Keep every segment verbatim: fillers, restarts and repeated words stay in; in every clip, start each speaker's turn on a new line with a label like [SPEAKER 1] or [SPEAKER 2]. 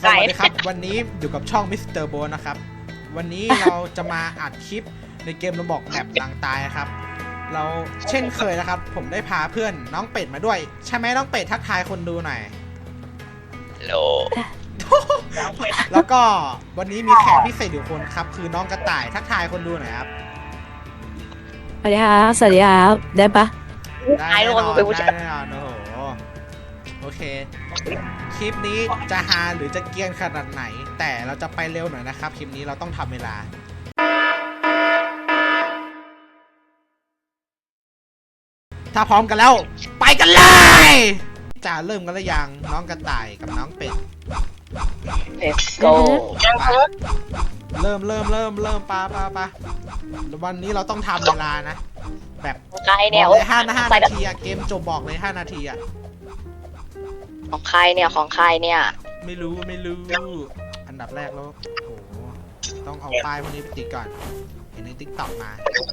[SPEAKER 1] ไก่
[SPEAKER 2] สวัสดีครับวันนี้อยู่กับช่องมิสเตอร์โบนะครับ วันนี้เราจะมาอัดคลิปในเกมระบอกแบบหลังตายครับ เราเช่นเคยนะครับ ผมได้พาเพื่อนน้องเป็ดมาด้วย ใช่ไหมน้องเป็ดทักทายคนดูหน่อย
[SPEAKER 1] โล
[SPEAKER 2] แล้วก็วันนี้มีแขกพิเศษอยู่คนครับ คือน้องกระต่ายทักทายคนดูหน่อยครับ
[SPEAKER 3] สวัสดีครับสวัสดีครับได้ปะ
[SPEAKER 2] ได้
[SPEAKER 1] ไอ้
[SPEAKER 2] แน่
[SPEAKER 1] โด
[SPEAKER 2] น
[SPEAKER 1] น
[SPEAKER 2] อน
[SPEAKER 1] ไปผู้ชา
[SPEAKER 2] ได้
[SPEAKER 1] ย
[SPEAKER 2] แน่นอนโอ้โหโอเค คลิปนี้จะฮาหรือจะเกรียนขนาดไหน แต่เราจะไปเร็วหน่อยนะครับ คลิปนี้เราต้องทำเวลา ถ้าพร้อมกันแล้ว ไปกันเลยจะเริ่มกันหรือยังน้องกระต่ายกับน้องเป็ด
[SPEAKER 1] Let's go
[SPEAKER 2] เริ่มเริ่มเริ่มเริ่มปาปาปาวันนี้เราต้องทำเวลานะ แบบ
[SPEAKER 1] ใคร
[SPEAKER 2] บ
[SPEAKER 1] เนี่ย
[SPEAKER 2] อกเลยห้าห้า
[SPEAKER 1] ใคร
[SPEAKER 2] นาทีอะเกมจบบอกเลยห้านาทีอะ
[SPEAKER 1] ของใครเนี่ยของใครเนี่ย
[SPEAKER 2] ไม่รู้ไม่รู้ อันดับแรกแล้วโอ้โหต้องเอาป้ายพวกนี้ไปติดก่อน เห็นในติ๊กต็อกมา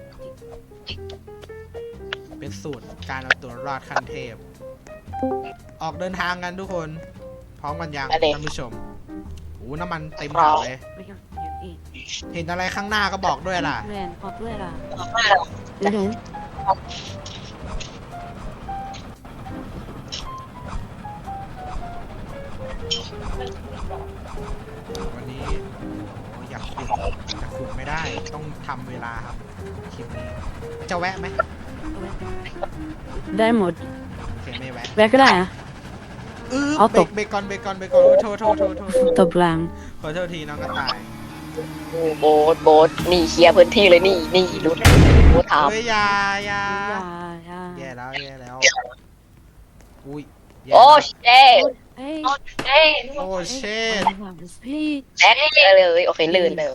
[SPEAKER 2] เป็นสูตรการเอาตัวรอดขั้นเทพ ออกเดินทางกันทุกคน พร้อมกันยัง
[SPEAKER 1] ไปเลย
[SPEAKER 2] ท่านผู้ชมโอ้น้ำมันเต็มถังเลย เห็นอะไรข้างหน้าก็บอกด้วยล่ะ
[SPEAKER 3] แมนขอด้วยล่ะเดี๋ยวถึง
[SPEAKER 2] วันนี้โอ้อยากขุดแต่ขุดไม่ได้ต้องทำเวลาครับคลิปนี้จะแวะไหม
[SPEAKER 3] ได้หมด
[SPEAKER 2] โอเคไม่แวะ
[SPEAKER 3] แวะก็ได้อะ
[SPEAKER 2] อือ
[SPEAKER 3] เอา
[SPEAKER 2] เบร
[SPEAKER 3] ต
[SPEAKER 2] ก
[SPEAKER 3] ก
[SPEAKER 2] เบรกก่อนเบรกก่อนเบรกก่อนโอ้โทษโทษโทษโทษโทษ
[SPEAKER 3] ตบหลัง
[SPEAKER 2] ขอโทษทีน้องกระต่าย
[SPEAKER 1] โอ้โบสโบสนี่เคลียร์พื้นที่เลยนี่นี่รู้รู้ถาม
[SPEAKER 2] เฮ้ยอยาอยา
[SPEAKER 3] อย่าอย่า
[SPEAKER 2] แย่แล้วแย่แล้วอุ้ยแย่
[SPEAKER 1] โอ้
[SPEAKER 2] แล้ว
[SPEAKER 1] เช่
[SPEAKER 3] เฮ้ย
[SPEAKER 1] เอ้ย
[SPEAKER 2] โอ้เช่
[SPEAKER 3] พี่
[SPEAKER 1] แดกเลยโอเคลื่นเลย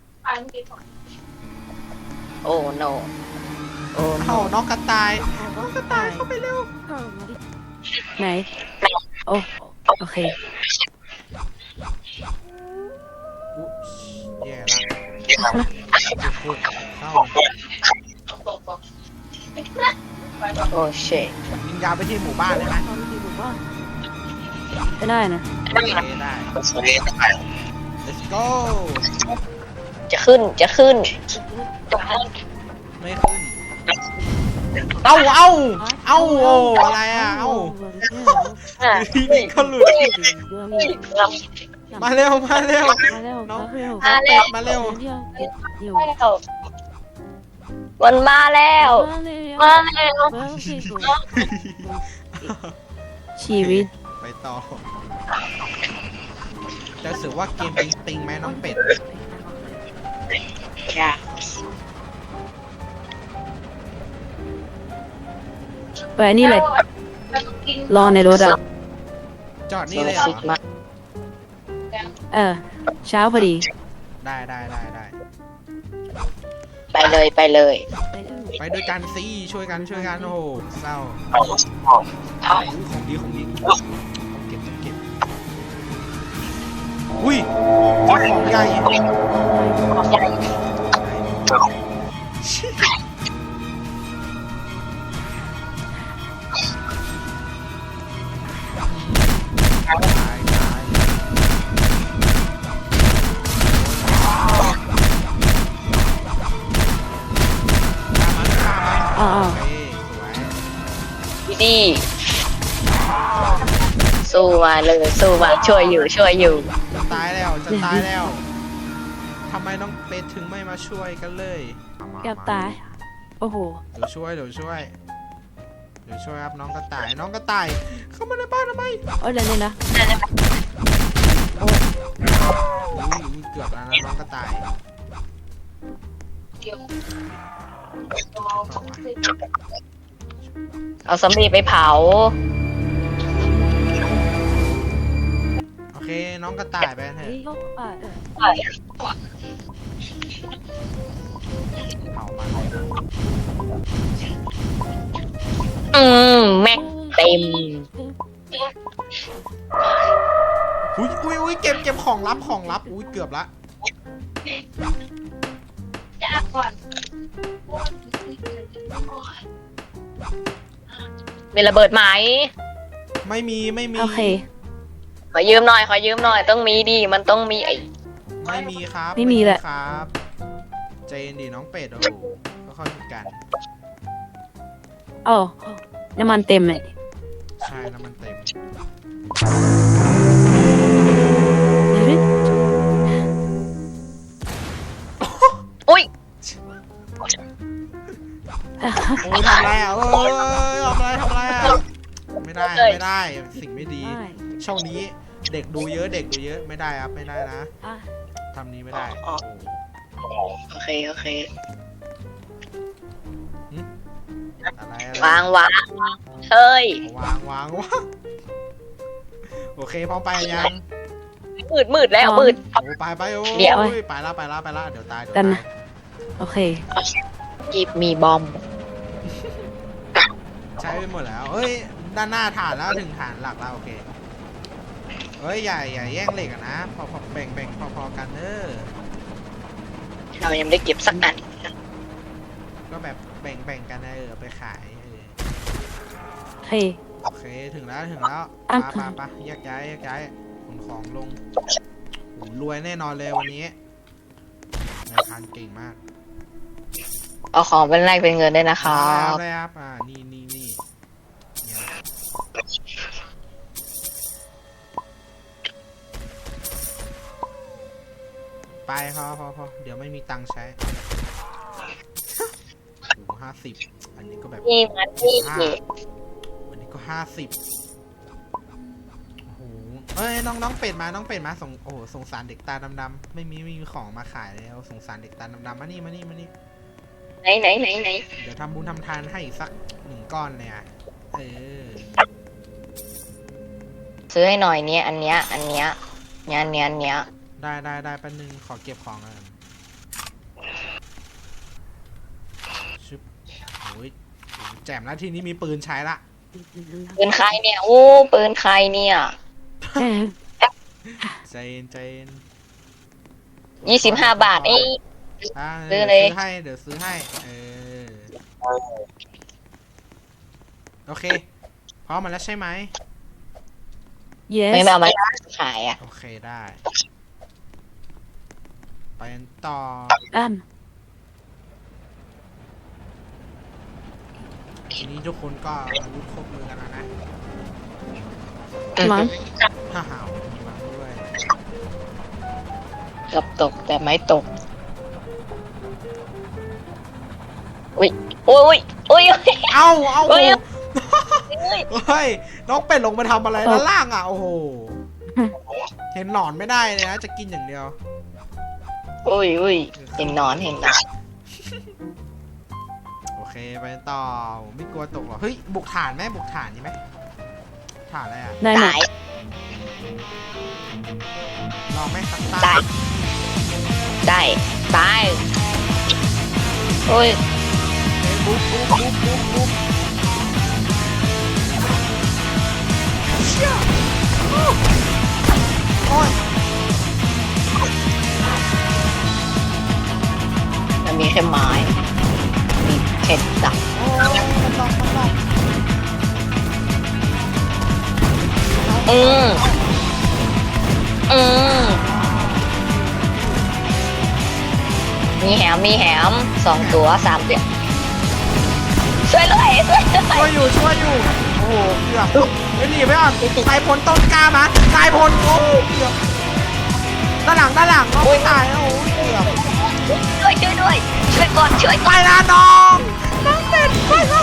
[SPEAKER 1] โอ้ no โอ้
[SPEAKER 2] เข้าน้องกระต่ายน้องกระต่ายเข้าไปเร็ว
[SPEAKER 3] ไหนโอ้โอเค
[SPEAKER 2] อุ๊ยแย่แล้วขุดเข้า
[SPEAKER 1] โอ้เช่
[SPEAKER 2] ยิงยาวไปที่หมู่บ้านเลยไหม
[SPEAKER 3] ไม่ได้นะ
[SPEAKER 2] โอเคได้ let's go
[SPEAKER 1] จะขึ้นจะขึ้น
[SPEAKER 2] ไม่ขึ้น เอ้าเอ้าเอ้าโอ้อะไรอ่ะ เอ้าเขาหลุด มาเร็ว มาเร็ว
[SPEAKER 3] มาเร็ว
[SPEAKER 2] น้อง
[SPEAKER 3] มาเร็ว
[SPEAKER 2] น้องเป็ดมาเร็ว
[SPEAKER 3] เดี๋ยวเดี๋ยว
[SPEAKER 1] มันมาแล้ว มาแล้ว
[SPEAKER 3] ชีวิต
[SPEAKER 2] ไปต่อ จะสือว่าเกมปิงปิงไหมน้องเป็ด
[SPEAKER 1] จ้ะ
[SPEAKER 3] ไปนี่เลยรอในรถอ่ะ
[SPEAKER 2] จอดนี่เลยเหรอ
[SPEAKER 3] เออเช้าพอดี
[SPEAKER 2] ได้ได้ได้ได้
[SPEAKER 1] ไปเลยไปเลย
[SPEAKER 2] ไปด้วยกันสิช่วยกันช่วยกันโอ้โหเศร้าอู้ของดีของดีต้องเก็บต้องเก็บอุ้ยเจ้าของใหญ่ตายตายฆ่ามันฆ่ามัน
[SPEAKER 3] อ้าว
[SPEAKER 2] โอเคสวย
[SPEAKER 1] ดีดีสู้มาเลยสู้มาช่วยอยู่ช่วยอยู่
[SPEAKER 2] จะตายแล้วจะตายแล้วทำไมน้องเป็ดถึงไม่มาช่วยกันเลย
[SPEAKER 3] เกือบตายโอ้โห
[SPEAKER 2] เดี๋ยวช่วยเดี๋ยวช่วยเดี๋ยวช่วยครับน้องกระต่ายน้องกระต่ายเข้ามาในบ้านทำไม
[SPEAKER 3] โอ้ยเดี๋ยวนี้นะ
[SPEAKER 2] อุ้ยอุ้ยเกือบแล้วนะน้องกระต่าย
[SPEAKER 1] เอาสำลีไปเผา
[SPEAKER 2] โอเคน้องกระต่ายไปเถอะ
[SPEAKER 3] เฮ้ยเขาอ่ะเออ
[SPEAKER 2] เผามัน
[SPEAKER 1] อืมแม็กเต็ม
[SPEAKER 2] อุ้ยอุ้ยอุ้ยเก็บเก็บของลับของลับอุ้ยเกือบละ
[SPEAKER 1] มีระเบิดไหม
[SPEAKER 2] ไม่มีไม่มี
[SPEAKER 3] โอเค
[SPEAKER 1] ขอยืมหน่อยขอยืมหน่อยต้องมีดิมันต้องมีไอ้
[SPEAKER 2] ไม่มีครับ
[SPEAKER 3] ไม่มีแหละ
[SPEAKER 2] ครับใจเย็นดีน้องเป็ดโอ้ก็เข้าใจกัน
[SPEAKER 3] โอ้น้ำมันเต็มเลย
[SPEAKER 2] ใช่น้ำมันเต็ม
[SPEAKER 1] อุ้ย
[SPEAKER 2] โอ้ยทำอะไรอ่ะเอ้ยทำอะไรทำอะไรอ่ะไม่ได้ไม่ได้สิ่งไม่ดี ช่องนี้เด็กดูเยอะเด็กดูเยอะไม่ได้ครับไม่ได้นะ
[SPEAKER 3] อ่ะ
[SPEAKER 2] ทำนี้ไม่ได้
[SPEAKER 1] อ๋อ โอเคโอเค
[SPEAKER 2] อะไรอะไร
[SPEAKER 1] วางวางเฮ้ยว
[SPEAKER 2] างวางวางโอเคพร้อมไปยัง
[SPEAKER 1] มืดมืดแล้วมืด
[SPEAKER 2] โอ้ไปไปโอ้ย
[SPEAKER 1] เดี๋ยว
[SPEAKER 2] ไปละไปละไปละเดี๋ยวตายเดี๋ยว
[SPEAKER 3] กัน
[SPEAKER 2] ตา
[SPEAKER 3] นะ
[SPEAKER 2] ย
[SPEAKER 3] โอเค
[SPEAKER 1] กีบมีบอม
[SPEAKER 2] ใช้ไปหมดแล้วเอ้ยด้านหน้าฐานแล้วถึงฐานหลักแล้วโอเคเอ้ยอย่าอย่าแย่งเหล็กอะนะพอพอแบ่งแบ่งพอพอกันเออ
[SPEAKER 1] เรายังไม่ได้เก็บสักอัน
[SPEAKER 2] ก็แบบแบ่งแบ่งกันเออเอาไปขายเออ
[SPEAKER 3] โอเค
[SPEAKER 2] โอเคถึงแล้วถึงแล้ว
[SPEAKER 3] อ่ะ
[SPEAKER 2] ปะปะปะแยกย้ายแยกย้ายขนของลงโอ้รวยแน่นอนเลยวันนี้นายพรานเก่งมาก
[SPEAKER 1] เอาของเป็นแรกเป็นเงินด้วยนะครั
[SPEAKER 2] เอา
[SPEAKER 1] บ
[SPEAKER 2] เลยครับอ่านี่นี่นี่เนี่ยไปพอพอพอเดี๋ยวไม่มีตังค์ใช้โอ้ห้าสิบอันนี้ก็แบบ
[SPEAKER 1] นี่มันนี่
[SPEAKER 2] ห้าวันนี้ก็ห้าสิบโอ้โหเอ้ยน้องน้องเป็ดมาน้องเป็ดมาสงโอ้โหสงสารเด็กตาดำๆไม่มีไม่มีของมาขายแล้วสงสารเด็กตาดำๆมานี่มานี่มานี่
[SPEAKER 1] ไหนไหนไหนไหน
[SPEAKER 2] เดี๋ยวทำบุญทำทานให้อีกสักหนึ่งก้อนเนี่ยเออ
[SPEAKER 1] ซื้อให้หน่อยเนี้ยอันเนี้ยอันเนี้ยเนี้ยเนี้ยเนี้ย
[SPEAKER 2] ได้ได้ได้แป๊บนึงขอเก็บของก่อนชึบโอ้ยแจ่มแล้วทีนี้มีปืนใช้ละ
[SPEAKER 1] ปืนใครเนี่ยโอ้ปืนใครเนี่ย
[SPEAKER 2] ใจเย็นใจเย็น
[SPEAKER 1] ยี่สิบห้าบาทเอ้ย
[SPEAKER 2] อ่า
[SPEAKER 1] ซื้
[SPEAKER 2] เดี๋
[SPEAKER 1] อ
[SPEAKER 2] ยว
[SPEAKER 1] เลย
[SPEAKER 2] ซื้อให้เดี๋ยวซื้อให้เออโอเคพร้อมมาแล้วใช่ไหม
[SPEAKER 3] yes
[SPEAKER 1] ไม่เอามาขายอ่ะ
[SPEAKER 2] โอเคได้ ไปกันต่อ
[SPEAKER 3] อ่ะ
[SPEAKER 2] ทีนี้ทุกคนก็อาวุธครบมือกันแล้วนะ
[SPEAKER 3] มั้ง
[SPEAKER 2] ฮ่าฮ่ามีมาด้วย
[SPEAKER 1] เกือบตกแต่ไม่ตกอุ้ยโอ้ยโอ้ยโอ้ย
[SPEAKER 2] เอาเอา
[SPEAKER 1] เฮ้ย
[SPEAKER 2] เฮ้ยน้องเป็ดลงมาทำอะไรด้านล่างอ่ะโอ้โหเห็นหนอนไม่ได้เลยนะจะกินอย่างเดียว
[SPEAKER 1] อุ้ยอุ้ยเห็นหนอนเห็นหนอน
[SPEAKER 2] โอเคไปต่อผมไม่กลัวตกหรอกเฮ้ยบุกฐานไหมบุกฐานนี่ไหมฐานอะไรอ่ะ
[SPEAKER 3] ได้หมด
[SPEAKER 1] ตาย
[SPEAKER 2] ลองไหมสัก
[SPEAKER 1] ตา
[SPEAKER 2] ตาย
[SPEAKER 1] ได้ตายโอ้ย
[SPEAKER 2] บุ๊บบุ๊บบุ๊บบุ๊บบุ๊บเชี่ยโอ้ย
[SPEAKER 1] มันมีแค่ไม้มีแค่ดับ
[SPEAKER 2] โอ้ยมันลองมันลอง
[SPEAKER 1] อืมอืมมีแหมมีแหมสองตัวสามตัวช่วยเลยช่วยเลย
[SPEAKER 2] ช่วยอยู่ช่วยอยู่โอ้โหเกือบเฮ้ยหนีไปก่อนนายพลต้นกล้ามานายพลโอ้โหเกือบด้านหลังด้านหลังน้องไม่ตายนะโอ้โหเกือบ
[SPEAKER 1] ช่วยช่วยด้วยช่วยก่อนช่วย
[SPEAKER 2] ไปละน้องน้องเป็ดไปเลย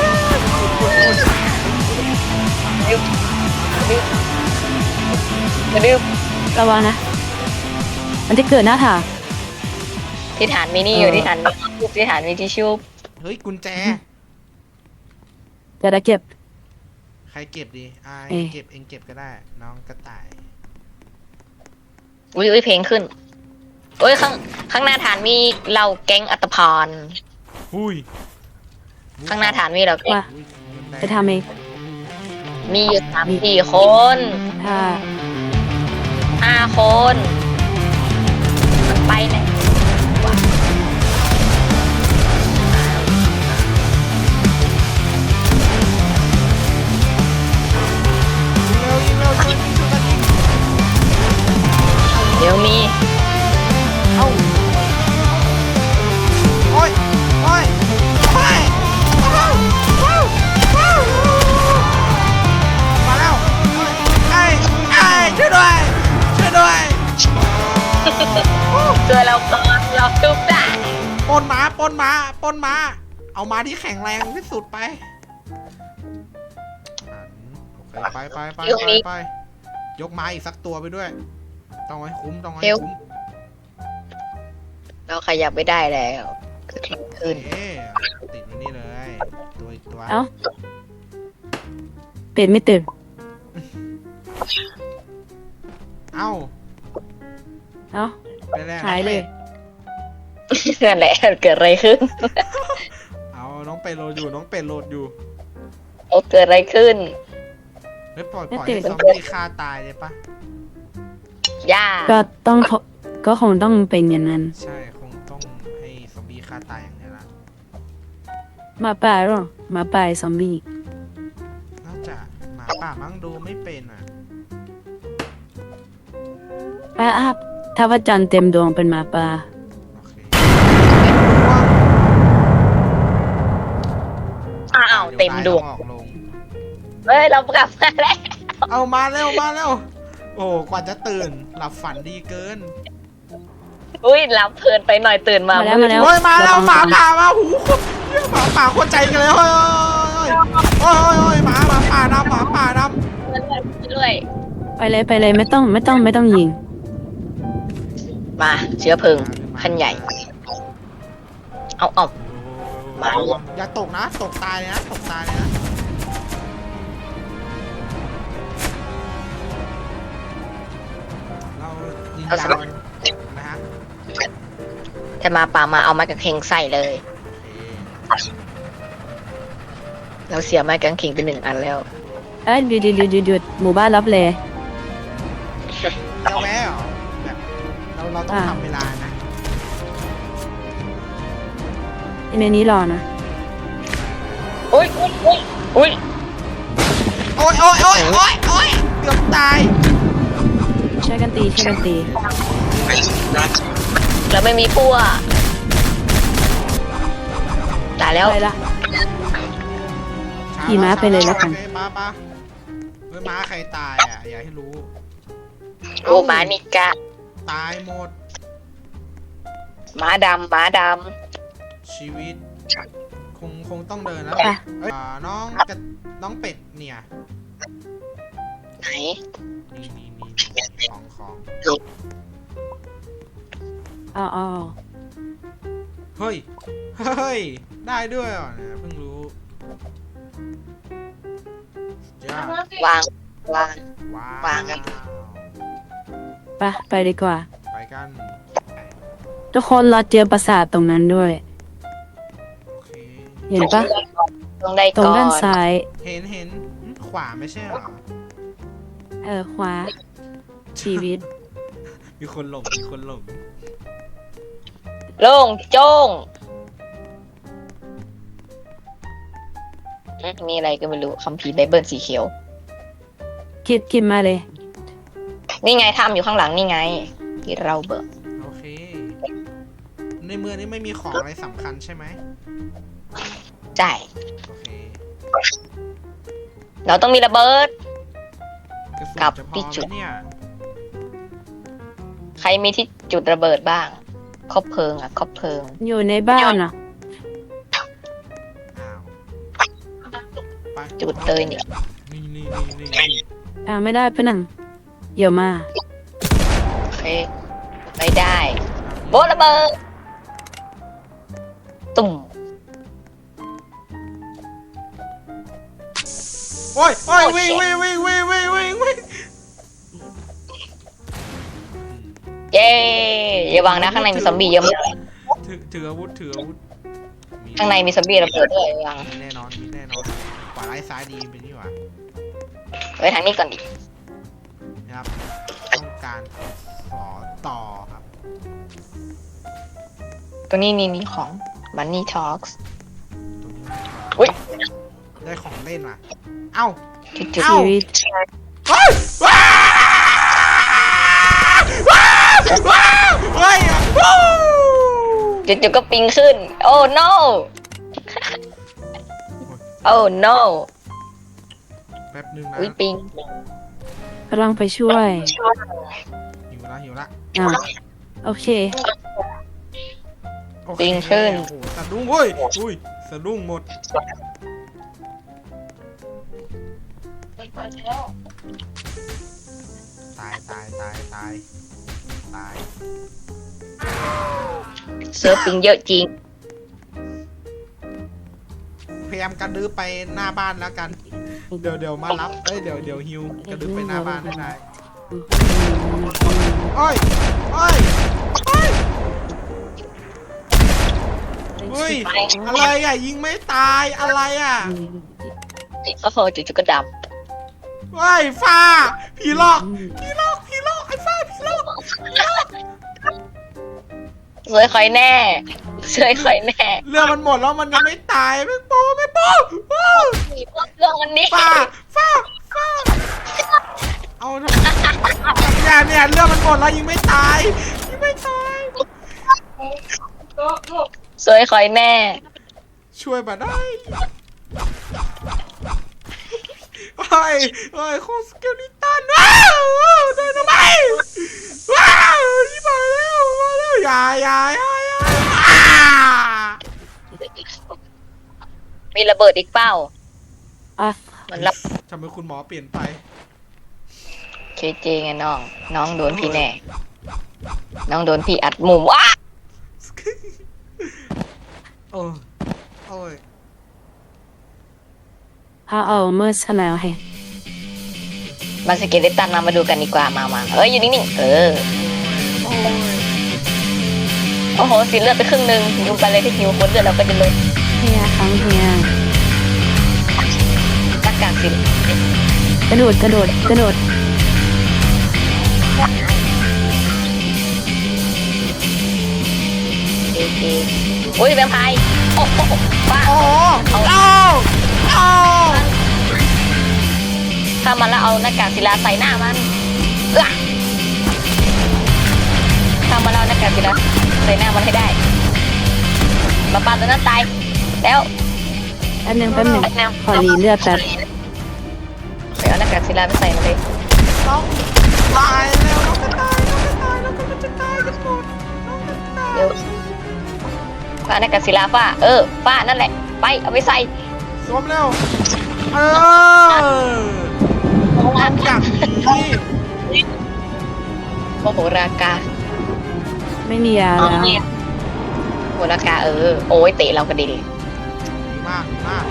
[SPEAKER 1] ดึบดึบดึบ
[SPEAKER 3] ระวังนะ มันจะเกิดหน้าถาง
[SPEAKER 1] ที่ฐานมินี่อยู่ที่ฐานมิที่ฐานมีทิชชู่
[SPEAKER 2] เฮ้ยกุญแจ
[SPEAKER 3] จะได้เก็บ
[SPEAKER 2] ใครเก็บดีอ่า
[SPEAKER 3] เอ๊ะ
[SPEAKER 2] เก็บเองเก็บก็ได้ น้องกระต่าย
[SPEAKER 1] อุ้ยอุ้ยเพลงขึ้นโอ้ยข้างข้างหน้าฐานมีเราแก๊งอัตภพร
[SPEAKER 2] หุ้ย
[SPEAKER 1] ข้างหน้าฐานมีเราแก๊ง
[SPEAKER 3] ว่า
[SPEAKER 2] อุ๊ยเงินแดง
[SPEAKER 3] จะทำเอง
[SPEAKER 1] มีอยู่สามสี่คน
[SPEAKER 3] ถ้า
[SPEAKER 1] ห้าคนมันไปไหนวะ
[SPEAKER 2] ยิงเร็วยิงเร็วช่วยยิงช่วยกันยิง
[SPEAKER 1] ช่วยเราก่อนเราทุบได้
[SPEAKER 2] ปล้นม้าปล้นม้าปล้นม้า เอาม้าที่แข็งแรงที่สุดไปอ่ะโอเคไปไปไปไปไปยกม้าอีกสักตัวไปด้วย ต้องให้คุ้มต้องให้คุ้ม
[SPEAKER 1] เราขยับไม่ได้แล้วเกิดอะไรขึ้น
[SPEAKER 2] เอ๊ะติดไว้นี่เลย ตัวอีกตัว
[SPEAKER 3] เอ้าเป็ดไม่ตื่น
[SPEAKER 2] เอ้า
[SPEAKER 3] เอ้า
[SPEAKER 2] ไปแล้ว
[SPEAKER 3] หายเลย
[SPEAKER 1] นั่นแหละเกิดอะไรขึ้น
[SPEAKER 2] เอาน้องเป็ดโหลดอยู่น้องเป็ดโหลดอยู่
[SPEAKER 1] โอ้เกิดอะไรขึ้น
[SPEAKER 2] เฮ้ยปล่อย
[SPEAKER 3] ไม่
[SPEAKER 2] ปล่อย
[SPEAKER 3] ตื่
[SPEAKER 2] ให้
[SPEAKER 3] น
[SPEAKER 2] ซอมบี้ฆ่าตายเลยปะ
[SPEAKER 1] ย่า
[SPEAKER 3] ก็ต้องขอก็คงต้องเป็นอย่างนั้น
[SPEAKER 2] ใช่คงต้องให้ซอมบี้ฆ่าตายอย่างนี้ละ
[SPEAKER 3] หมาป่าหรอหมาป่าซอมบี้
[SPEAKER 2] น่าจะหมาป่ามั้งดูไม่เป็นอ่ะ
[SPEAKER 3] ป้าอัพถ้าว่าจันทร์เต็มดวงเป็นหมาป่า
[SPEAKER 2] โอเค
[SPEAKER 1] อ้าวเต็มดวง
[SPEAKER 2] ออกลง
[SPEAKER 1] เฮ้ยเรากลับมาแล้ว
[SPEAKER 2] เอามาเร็วมาเร็วโอ้กว่าจะตื่นหลับฝันดีเกิน
[SPEAKER 1] อุ้ยรับเพลินไปหน่อยตื่นมา
[SPEAKER 3] มาแล้วมาแล้ว
[SPEAKER 2] โอ้ยมาแล้วหมาป่ามาหูหมาป่าโคตรใจกันเลยเฮ้ยโอ้ยโอ้ยโอ้ยหมาหมาป่าดำหมาป่าด
[SPEAKER 1] ด้วย
[SPEAKER 3] ไปเลยไปเลยไม่ต้องไม่ต้องไม่ต้องยิง
[SPEAKER 1] มาเชื้อเพลิง
[SPEAKER 2] ำ
[SPEAKER 1] ขั้นใหญ่ เอาเอา มา
[SPEAKER 2] อย่าตกนะตกตายเลยนะตกตายเลยนะเรายิงยาวนะฮะ
[SPEAKER 1] จะมาป่ามาเอาไม้กางเขนใส่เลย
[SPEAKER 2] โอเค
[SPEAKER 1] เราเสียไม้กางเขนไปหนึ่งอันแล้ว
[SPEAKER 3] เอ้ยหยุดหยุดหยุดหยุดหยุดหมู่บ้านรับเลย
[SPEAKER 2] เราแวะเหรอแบบเราเราต้อง
[SPEAKER 3] อ่า
[SPEAKER 2] ทำเวลานะ
[SPEAKER 3] ในนี้รอนะ
[SPEAKER 1] อุ้ยอุ้ยอุ้ยอุ้ย
[SPEAKER 2] โอ้ยโอ้ยโอ้ยโอ้ยโอ้ยเกือบตาย
[SPEAKER 3] ช่วยกันตีช่วยกันตี
[SPEAKER 1] เราไม่มีพวกตายแล้ว
[SPEAKER 3] ไปละ ขี่ม้าไปเลยแล้วกัน
[SPEAKER 2] โอเคป้าป้าเฮ้ยม้าใครตายอ่ะอย่าให้รู้
[SPEAKER 1] โอ้หมานิกะ
[SPEAKER 2] ตายหมด
[SPEAKER 1] หมาดำหมาด
[SPEAKER 2] ชีวิต คงคงต้องเดินแล้ว
[SPEAKER 3] ไป
[SPEAKER 2] เอ้ยอ่าน้องกระน้องเป็ดเนี่ย
[SPEAKER 1] ำไหน
[SPEAKER 2] นี่นี่นี่ของของ
[SPEAKER 3] อ๋ออ๋อ
[SPEAKER 2] เฮ้ยเฮ้ยได้ด้วยเหรอเนี่ยเพิ่งรู้จ้าว
[SPEAKER 1] างวาง
[SPEAKER 2] ว้าว
[SPEAKER 1] วางครับ
[SPEAKER 3] ไปไปดีกว่า
[SPEAKER 2] ไปกัน
[SPEAKER 3] ทุกคนเราเจอปราสาทตรงนั้นด้วย
[SPEAKER 2] โอเค
[SPEAKER 3] เห็นปะ
[SPEAKER 1] ต้องได้
[SPEAKER 3] ตรง
[SPEAKER 1] ก่อน
[SPEAKER 3] ด้านซ้าย
[SPEAKER 2] เห็นเห็นหึขวาไม่ใช่เหรอ
[SPEAKER 3] เออขวา ชีวิต
[SPEAKER 2] มีคนหลงมีคนหลง
[SPEAKER 1] โล่งโจ้งอืมมีอะไรก็ไม่รู้คัมภีร์ไบเบิลสีเขียว
[SPEAKER 3] คิดคิดมาเลย
[SPEAKER 1] นี่ไงทำอยู่ข้างหลังนี่ไง ที่เราเบิก
[SPEAKER 2] โอเค ในเมืองนี้ไม่มีของอะไรสำคัญใช่ไหม
[SPEAKER 1] จ่าย
[SPEAKER 2] โอเค
[SPEAKER 1] เราต้องมีระเบิด
[SPEAKER 2] กระสุน
[SPEAKER 1] กลับ
[SPEAKER 2] จะพอ
[SPEAKER 1] ที่
[SPEAKER 2] ไห
[SPEAKER 1] จุ
[SPEAKER 2] ม
[SPEAKER 1] ด
[SPEAKER 2] เนี่ย
[SPEAKER 1] ใครมีที่จุดระเบิดบ้างคบเพลิงอ่ะคบเพลิง
[SPEAKER 3] อยู่ในบ้านอ่ะ
[SPEAKER 2] อ้าวไป
[SPEAKER 1] จุดเลยเนี่ย
[SPEAKER 2] นี่นี่นี่นี่นี่
[SPEAKER 3] อ่าไม่ได้ปะนังเดี๋ยวมา
[SPEAKER 1] โอเคไม่ได้ โบะระเบิดตุ่ม
[SPEAKER 2] โอ้ยโอ้ยวิ่งวิ่งวิ่งวิ่งวิ่งวิ่งวิ่ง
[SPEAKER 1] เย้อย่าวางนะข้างในมีซอมบี้เยอะมาก
[SPEAKER 2] ถือถืออาวุธถืออาวุธมี
[SPEAKER 1] ข้างในมีซอมบี้ระเบิดด้วยวาง
[SPEAKER 2] มีแน่นอนมีแน่นอนขวาไร้ายซ้ายดีเป็นนี่หว่า
[SPEAKER 1] ไว้ทางนี้ก่อนดิ
[SPEAKER 2] นะครับ ต้องการขอต่อครับ
[SPEAKER 1] ตรงนี้นี่มีของ Money Talks
[SPEAKER 2] ตรงนี้
[SPEAKER 1] อุ๊ย
[SPEAKER 2] ได้ของเล่นว่ะเอ้า
[SPEAKER 1] จุด
[SPEAKER 2] เอ้า
[SPEAKER 3] ชีวิต
[SPEAKER 2] เฮ้ยว้าวว้าวว้าวเฮ้ยวู้
[SPEAKER 1] จุดจุดๆก็ปิงขึ้น โอ้ no โอ้ no
[SPEAKER 2] แป๊บนึงนะ
[SPEAKER 1] อุ้ยปิง
[SPEAKER 3] กำลังไปช่วย
[SPEAKER 2] หิวละหิวละ
[SPEAKER 3] อ่าโอเค
[SPEAKER 2] โอเค
[SPEAKER 1] ปิงขึ้น
[SPEAKER 2] โอ้โหสะดุ้งเฮ้ยอุ้ยสะดุ้งหมดตายตายตายตายตาย
[SPEAKER 1] เซิร์ฟปิงเยอะจริง
[SPEAKER 2] พยายามกระดื้อไปหน้าบ้านแล้วกัน เดี๋ยวเดี๋ยวมารับเอ้ยเดี๋ยวเดี๋ยวฮิวกระดื้อไปหน้าบ้านได้ได้โอ้ยโอ้ยโอ้ยเฮ้ยอะไรอ่ะยิงไม่ตายอะไรอ่ะ
[SPEAKER 1] โอ้โหจู่ๆก็ดับ
[SPEAKER 2] เฮ้ยฟ้าผีหลอกผีหลอกผีหลอกไอ้ฟ้าผีหลอก
[SPEAKER 1] สวยคอยแน่สวยคอยแน่
[SPEAKER 2] เรื่องมันหมดแล้วมันยังไม่ตายไม่โป้ไม่โป้ว้าว
[SPEAKER 1] เรื่องวันนี้
[SPEAKER 2] ฟ้าฟ้าฟ้าเอาเถอะเนี่ยเนี่ยเรื่องมันหมดแล้วยิงไม่ตายยิงไม่ตาย
[SPEAKER 1] สวยคอยแน่
[SPEAKER 2] ช่วยมาได้โอ้ยโอ้ยโคสเกลิตันว้าวเดินทำไมว้าวนี่มาแล้วมาแล้วอย่าอย่าอย่าอย่า
[SPEAKER 1] มีระเบิดอีกเป้า
[SPEAKER 3] อ่ะ
[SPEAKER 1] เหมือนรับ
[SPEAKER 2] ทำไมคุณหมอเปลี่ยนไป
[SPEAKER 1] เคเจไงน้อง น้องโดนพี่แน่ น้องโดนพี่อัดมุมว้า
[SPEAKER 2] โอ้ยโอ้ย
[SPEAKER 3] พาเอาเมื่อชนะให้
[SPEAKER 1] มาสเกเลตันมามาดูกันดีกว่ามามาเอ้ยอยู่นิ่งๆเออ
[SPEAKER 2] โอ้ย
[SPEAKER 1] โอ้โหสีเลือดไปครึ่งหนึ่งดูไปเลยที่หิวคนเลือดเราก็จะลด
[SPEAKER 3] เฮียครั้งเฮีย
[SPEAKER 1] หน้ากากสี
[SPEAKER 3] กระโดดกระโดดกระโดด
[SPEAKER 1] เคเจโอ้ยแวมไพร์โอ้โหบ้า
[SPEAKER 2] โอ้เอาเอาเอา
[SPEAKER 1] ถ้ามันแล้วเอาหน้ากากศิลาใส่หน้ามันเอ้อถ้ามันแล้วเอาหน้ากากศิลาใส่หน้ามันให้ได้มาปาตัวนั้นตายแล้ว
[SPEAKER 3] แป๊บนึงแป๊บนึง
[SPEAKER 1] แนว
[SPEAKER 3] ขอรีเลือดแป๊บ
[SPEAKER 1] ไปเอาหน้ากากศิลาไปใส่มาเลย
[SPEAKER 2] ต้องตายแล้วน้องจะตายน้องจะตายน้องกำลังจะตายกันหมดน้องจะตาย
[SPEAKER 1] เดี๋ยวฟ้าหน้ากากศิลาฟ้าเออฟ้านั่นแหละไปเอาไปใส่
[SPEAKER 2] สวมเร็วเออความอย่างนี้
[SPEAKER 1] โมโหรากา
[SPEAKER 3] ไม่มียา
[SPEAKER 1] โม
[SPEAKER 3] แล้ว
[SPEAKER 1] โหรากาเออโอ้ยเตะเรากระเด็น
[SPEAKER 2] ดีมากดีมาก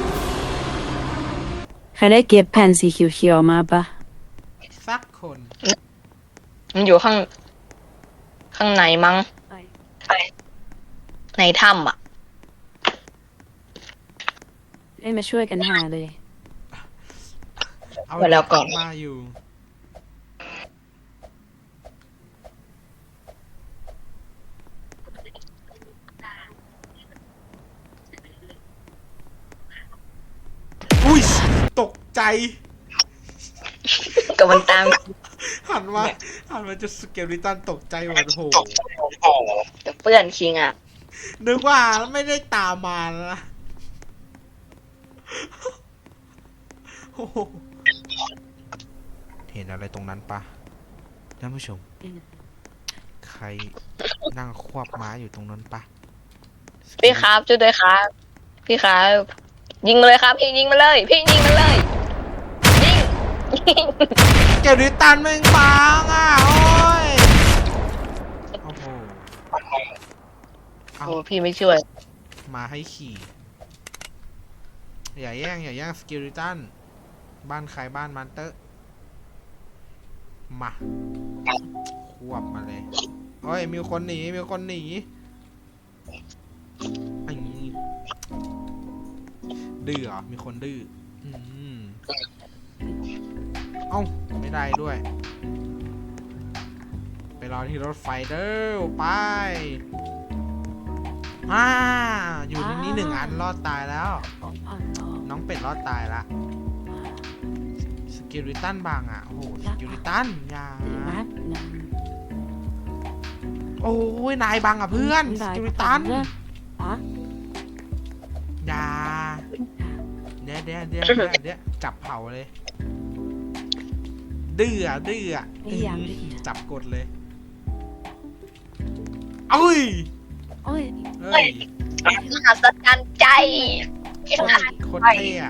[SPEAKER 3] ใครได้เก็บแผ่นสีเขียวๆมาปะ
[SPEAKER 2] สักคน
[SPEAKER 1] มันอยู่ข้าง ข้างในมั้งในถ้ำอ่ะ
[SPEAKER 3] เอ้ยมาช่วยกันหาเลย
[SPEAKER 2] เอา
[SPEAKER 1] ไว้แล้วก่อน
[SPEAKER 2] มาอยู่อุ้ยตกใจ
[SPEAKER 1] กับมันตาม
[SPEAKER 2] หันมาหันมาจะสเกลิตันตกใจหมดโห
[SPEAKER 1] กับเพื่อนคิงอ่ะ
[SPEAKER 2] นึกว่าไม่ได้ตามมานะโอ้โหเห็นอะไรตรงนั้นปะท่านผู้ชม ใครนั่งควบม้าอยู่ตรงนั้นปะ
[SPEAKER 1] พี่ครับช่วยด้วยครับ พี่ครับยิงมาเลยครับ พี่ยิงมาเลย พี่ยิงมาเลยยิงยิง
[SPEAKER 2] เกลิตันแม่งบางอ่ะโอ้ยโอ้โหเอา
[SPEAKER 1] โอ้พี่ไม่ช่วย
[SPEAKER 2] มาให้ขี่ อย่าแย่งอย่าแย่งสกิลิตันบ้านใครบ้านมันเตอร์มาควบมาเลยโอ้ยมีคนหนีมีคนหนีอันนี้ดื้อเหรอมีคนดื้ออืมเอ้าไม่ได้ด้วย ไปรอที่รถไฟเด้อไปอ่าอยู่ในนี้หนึ่งอันรอดตายแล้ว น้องเป็ดรอดตายละสกิลิตันบางอ่ะโอ้โหสกิลิตันอย่าโอ้ยนายบางอ่ะเพื่อนสกิลิตันอย่าเดี๋ยวเดี๋ยวเดี๋ยวเดี๋ยวเดี๋ยวจับเผาเลยดื้ออะดื้ออะจับกดเลยเอ้ย
[SPEAKER 3] โอ้ย
[SPEAKER 2] เฮ้ย
[SPEAKER 1] มหัศจรรย์ใจ
[SPEAKER 2] โคตรเท่อะ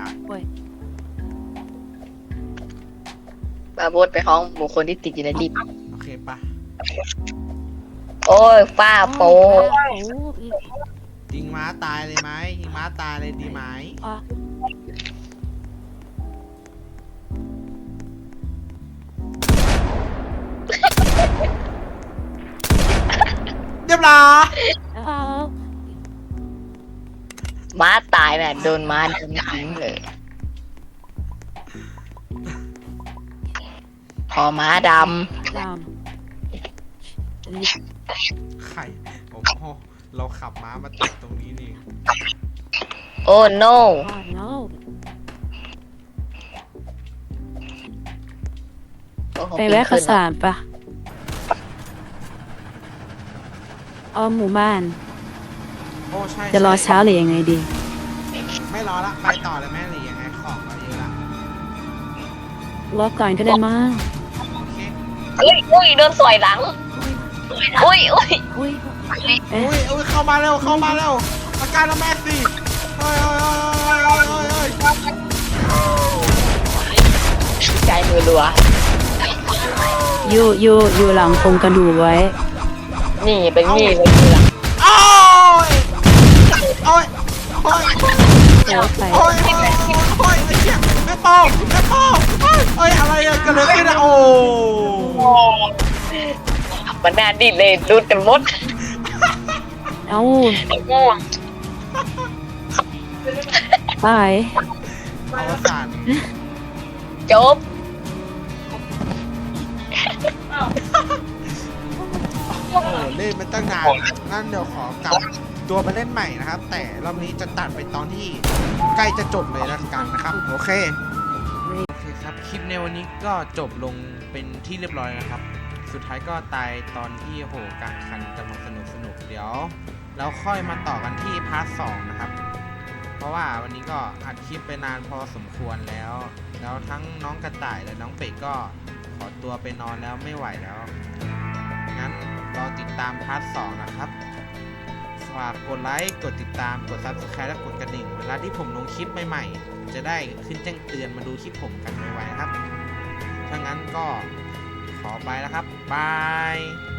[SPEAKER 1] บาโบดไปห้องบุคคลที่ติดอยู่ในลิฟต์
[SPEAKER 2] โอเคปะ
[SPEAKER 1] โอ้ยฝ้าโป
[SPEAKER 3] โอ้ย
[SPEAKER 2] ยิงม้าตายเลยไหมยิงม้าตายเลยดีไหม
[SPEAKER 3] อ่ะ
[SPEAKER 2] เรียบร้อย
[SPEAKER 3] เอา
[SPEAKER 1] ม้าตายแบบโดนม้าดึงทิ้งเลย พอม้าด
[SPEAKER 3] ด
[SPEAKER 2] ไข่โอ้โหเราขับม้ามาติดตรงนี้นี่
[SPEAKER 1] ำโอ้ no
[SPEAKER 3] ำอ่ะ no
[SPEAKER 1] โอ้โห
[SPEAKER 3] ไปแวะข้าวสารปะเอาหมู่บ้าน
[SPEAKER 2] โอ้ใช่
[SPEAKER 3] จะรอ
[SPEAKER 2] ใช่
[SPEAKER 3] เช้าหรือยังไงดี
[SPEAKER 2] ไม่รอละ ไปต่อเลยแม่หรือยังไงของเราเยอะละ
[SPEAKER 3] รอก่อนก็ได้มั้ง
[SPEAKER 2] โอเค
[SPEAKER 1] อุ้ยอุ้ยโดนสอยหลัง อุ้ยอุ้ย
[SPEAKER 3] อุ้ยเอ๊ะ
[SPEAKER 2] อุ้ยอุ้ยเข้ามาเร็วเข้ามาเร็วอาการละแม่สิเฮ้ยเฮ้ยเฮ้ยเฮ้ยเฮ้ยเฮ้ย
[SPEAKER 1] ใจมือรัว
[SPEAKER 3] อยู่อยู่อยู่หลังโครงกระดูกไว้
[SPEAKER 1] นี่เป็นนี่เลยคือหลัง
[SPEAKER 2] โอ้ยโอ้ยโอ้ย
[SPEAKER 3] เดี๋ยวไป
[SPEAKER 2] โอ้ยโอ้ยโอ้ยไอ้เหี้ยแม่โป้แม่โป้เฮ้ยเฮ้ยอะไรอะเกิดอะไรขึ้นอะโอ้
[SPEAKER 1] มันน่าดิ้นเลยรุดกันหมด
[SPEAKER 3] เอ้า
[SPEAKER 1] ง่วง
[SPEAKER 3] ไป
[SPEAKER 2] อวสาน
[SPEAKER 1] จบ
[SPEAKER 2] โอ้เล่นมันตั้งนานงั้นเดี๋ยวขอกลับตัวมาเล่นใหม่นะครับ แต่รอบนี้จะตัดไปตอนที่ใกล้จะจบเลยแล้วกันนะครับโอเคโอเคครับคลิปในวันนี้ก็จบลงเป็นที่เรียบร้อยนะครับ สุดท้ายก็ตายตอนที่โหการแข่งขันกำลังสนุกสนุกเดี๋ยวเราค่อยมาต่อกันที่พาร์ทสองนะครับ เพราะว่าวันนี้ก็อัดคลิปไปนานพอสมควรแล้ว แล้วทั้งน้องกระต่ายและน้องเป็ดก็ขอตัวไปนอนแล้วไม่ไหวแล้ว งั้นรอติดตามพาร์ทสองนะครับฝากกดไลค์กดติดตามกด ซับสไครบ์ และกดกระดิ่งเวลาที่ผมลงคลิปใหม่ๆจะได้ขึ้นแจ้งเตือนมาดูคลิปผมกันไวๆนะครับถ้างั้นก็ขอไปแล้วครับบาย